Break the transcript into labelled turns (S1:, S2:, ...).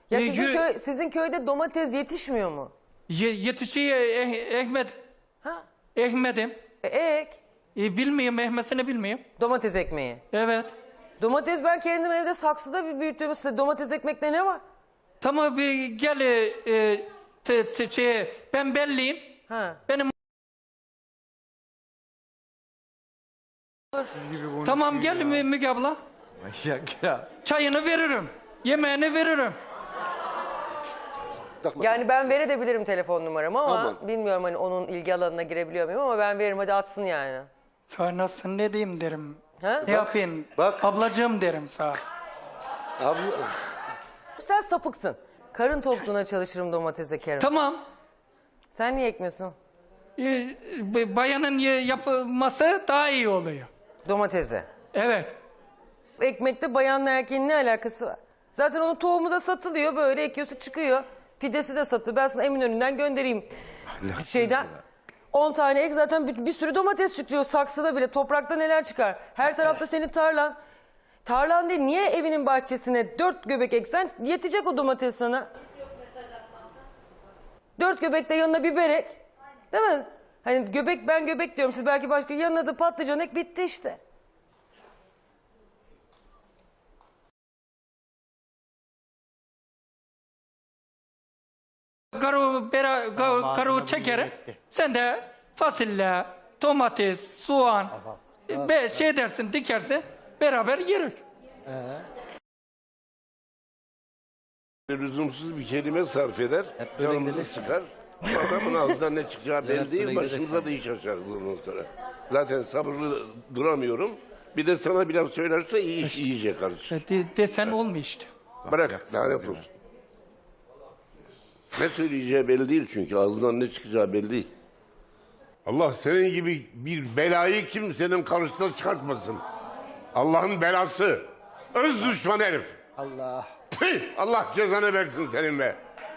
S1: Ya sizin köyde domates yetişmiyor mu?
S2: Yetişiyor Ahmet.
S1: Ha?
S2: Ahmet'im.
S1: Ek.
S2: Bilmiyorum, Ahmet'ini bilmiyorum.
S1: Domates ekmeği.
S2: Evet.
S1: Domates ben kendim evde saksıda bir büyüttüm. Domates ekmekte ne var?
S2: Tamam, bir gel ben belliyim.
S1: Ha.
S2: Benim tamam, gel Müge abla.
S3: Manyak ya.
S2: Çayını veririm. Yemeğini veririm.
S1: Yani ben verebilirim telefon numaramı ama
S4: Aman.
S1: bilmiyorum hani onun ilgi alanına girebiliyor muyum ama ben veririm, hadi atsın yani.
S2: Sonrasında ne diyeyim derim.
S1: Ha?
S2: Ne yapayım?
S4: Bak.
S2: Ablacığım derim sana.
S4: Abla,
S1: Sen sapıksın. Karın tokluğuna çalışırım, domates ekerim.
S2: Tamam.
S1: Sen niye ekmiyorsun
S2: Bayanın yapılması daha iyi oluyor.
S1: domatesi?
S2: Evet.
S1: Ekmekte bayanla erkeğin ne alakası var? Zaten onun tohumu da satılıyor, böyle ekiyorsun çıkıyor. Fidesi de satılıyor. Ben sana Eminönü'nden göndereyim. Şeyden. 10 tane ek, zaten bir sürü domates çıkıyor saksıda bile. Toprakta neler çıkar? Her tarafta senin tarlan. Tarlan değil, niye evinin bahçesine 4 göbek eksen yetecek o domates sana. 4 göbek de yanına biber ek. Değil mi? Hani göbek, ben göbek diyorum, siz belki başka, yanına da patlıcan ek, bitti işte.
S2: Karu çeker. Sen de fasulye, domates, soğan şey dersin, dikersin, beraber yeriz.
S4: lüzumsuz bir kelime sarf eder, canımızı sıkar. Adamın ağzından ne çıkacağı belli değil, başımıza da iş açarız ondan sonra. Zaten sabırlı duramıyorum. Bir de sana bir laf söylerse iyi iş yiyecek kardeşim.
S2: Desen olmuyor işte.
S4: Bırak, lanet olsun. Ne söyleyeceği belli değil çünkü, ağzından ne çıkacağı belli değil. Allah senin gibi bir belayı kimsenin karşısına çıkartmasın. Allah'ın belası. Öz düşman herif.
S3: Allah.
S4: Tüh, Allah cezanı versin senin be.